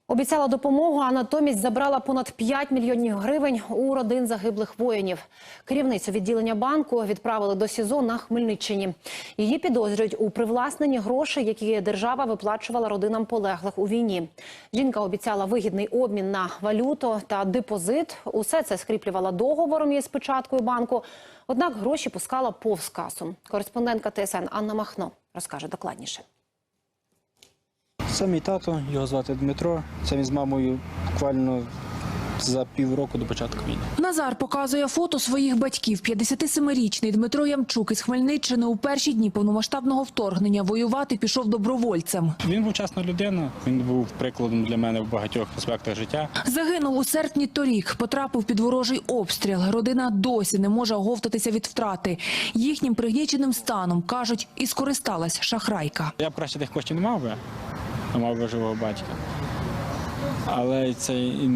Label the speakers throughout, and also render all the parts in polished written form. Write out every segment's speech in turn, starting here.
Speaker 1: Обіцяла допомогу, а натомість забрала понад 5 мільйонів гривень у родин загиблих воїнів. Керівницю відділення банку відправили до СІЗО на Хмельниччині. Її підозрюють у привласненні грошей, які держава виплачувала родинам полеглих у війні. Жінка обіцяла вигідний обмін на валюту та депозит. Усе це скріплювала договором із печаткою банку. Однак гроші пускала повз касу. Кореспондентка ТСН Анна Махно розкаже докладніше.
Speaker 2: Це мій тато, його звати Дмитро. Це він з мамою буквально за півроку до початку війни.
Speaker 3: Назар показує фото своїх батьків. 57-річний Дмитро Ямчук із Хмельниччини у перші дні повномасштабного вторгнення воювати пішов добровольцем.
Speaker 2: Він був чесна людина, він був прикладом для мене в багатьох аспектах життя.
Speaker 3: Загинув у серпні торік, потрапив під ворожий обстріл. Родина досі не може оговтатися від втрати. Їхнім пригніченим станом, кажуть, і скористалась шахрайка.
Speaker 2: Я б краще тих коштів не мав би, а мав би живого батька. Але це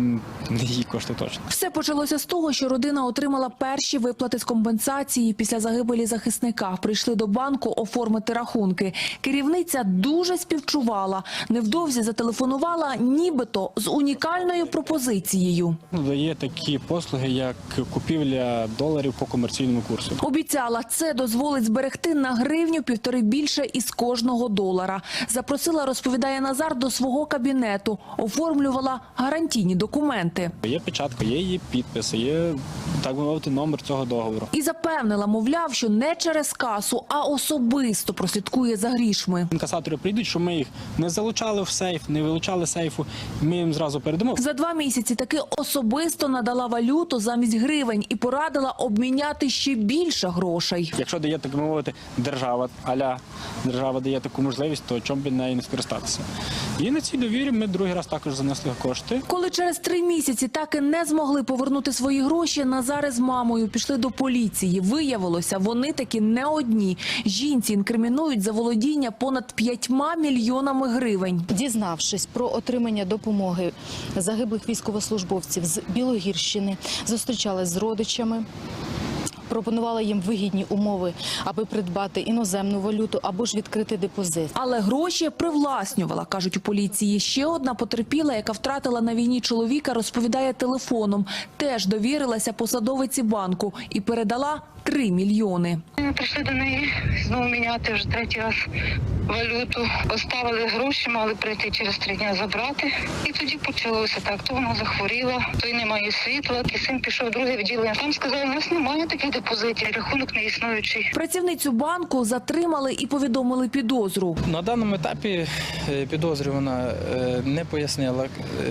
Speaker 2: не її кошти точно.
Speaker 3: Все почалося з того, що родина отримала перші виплати з компенсації після загибелі захисника. Прийшли до банку оформити рахунки. Керівниця дуже співчувала. Невдовзі зателефонувала нібито з унікальною пропозицією.
Speaker 2: Дає такі послуги, як купівля доларів по комерційному курсу.
Speaker 3: Обіцяла, це дозволить зберегти на гривню-півтори більше із кожного долара. Запросила, розповідає Назар, до свого кабінету. Оформлювала гарантійні документи.
Speaker 2: Є печатка, є її підписи, є, так би мовити, номер цього договору.
Speaker 3: І запевнила, мовляв, що не через касу, а особисто прослідкує за грішми.
Speaker 2: Інкасатори прийдуть, що ми їх не залучали в сейф, не вилучали сейфу, ми їм зразу передамо.
Speaker 3: За 2 місяці таки особисто надала валюту замість гривень і порадила обміняти ще більше грошей.
Speaker 2: Якщо дає, так би мовити, держава, держава дає таку можливість, то чому б нею не скористатися? І на цій довірі ми другий раз також занесли кошти.
Speaker 3: Коли через 3 місяці так і не змогли повернути свої гроші, Назар із мамою пішли до поліції. Виявилося, вони таки не одні. Жінці інкримінують за володіння понад 5 мільйонами гривень.
Speaker 4: Дізнавшись про отримання допомоги загиблих військовослужбовців з Білогірщини, зустрічалась з родичами, пропонувала їм вигідні умови, аби придбати іноземну валюту або ж відкрити депозит.
Speaker 3: Але гроші привласнювала, кажуть у поліції. Ще одна потерпіла, яка втратила на війні чоловіка, розповідає телефоном. Теж довірилася посадовиці банку і передала 3 мільйони.
Speaker 5: Ми прийшли до неї знову міняти вже 3-й раз валюту. Поставили гроші, мали прийти через 3 дні забрати. І тоді почалося так. То вона захворіла, то й немає світла. І син пішов в друге відділення. Там сказали, у нас немає таких депозитів, рахунок не існуючий.
Speaker 3: Працівницю банку затримали і повідомили підозру.
Speaker 6: На даному етапі підозрювана не пояснила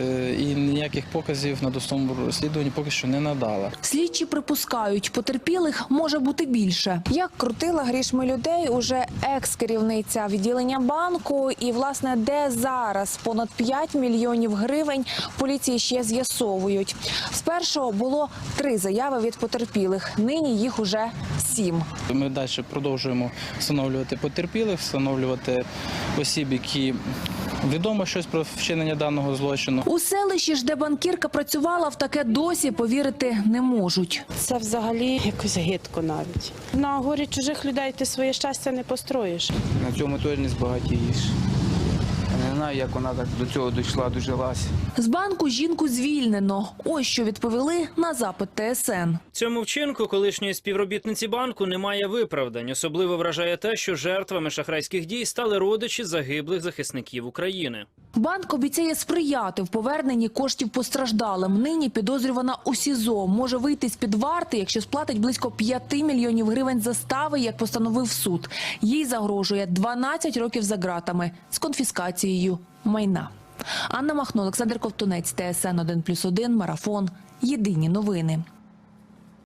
Speaker 6: і ніяких показів на досудовому розслідуванні поки що не надала.
Speaker 3: Слідчі припускають, потерпілих може бути більше.
Speaker 7: Як крутила грішми людей уже екс-керівниця відділення банку і, власне, де зараз понад 5 мільйонів гривень, поліції ще з'ясовують. Спершу було 3 заяви від потерпілих, нині їх уже 7.
Speaker 6: Ми далі продовжуємо встановлювати потерпілих, встановлювати осіб, які відомо щось про вчинення даного злочину.
Speaker 3: У селищі ж, де банкірка працювала, в таке досі повірити не можуть.
Speaker 8: Це взагалі якось гидко навіть. На горі чужих людей ти своє щастя не построїш.
Speaker 9: На цьому теж не збагатієш. Я не знаю, як вона так до цього дійшла, дожилась.
Speaker 3: З банку жінку звільнено. Ось що відповіли на запит ТСН.
Speaker 10: Цьому вчинку колишньої співробітниці банку немає виправдань. Особливо вражає те, що жертвами шахрайських дій стали родичі загиблих захисників України.
Speaker 3: Банк обіцяє сприяти в поверненні коштів постраждалим. Нині підозрювана у СІЗО. Може вийти з-під варти, якщо сплатить близько 5 мільйонів гривень застави, як постановив суд. Їй загрожує 12 років за ґратами з конфіскацією майна. Анна Махно, Олександр Ковтунець, ТСН 1+1, Марафон. Єдині новини.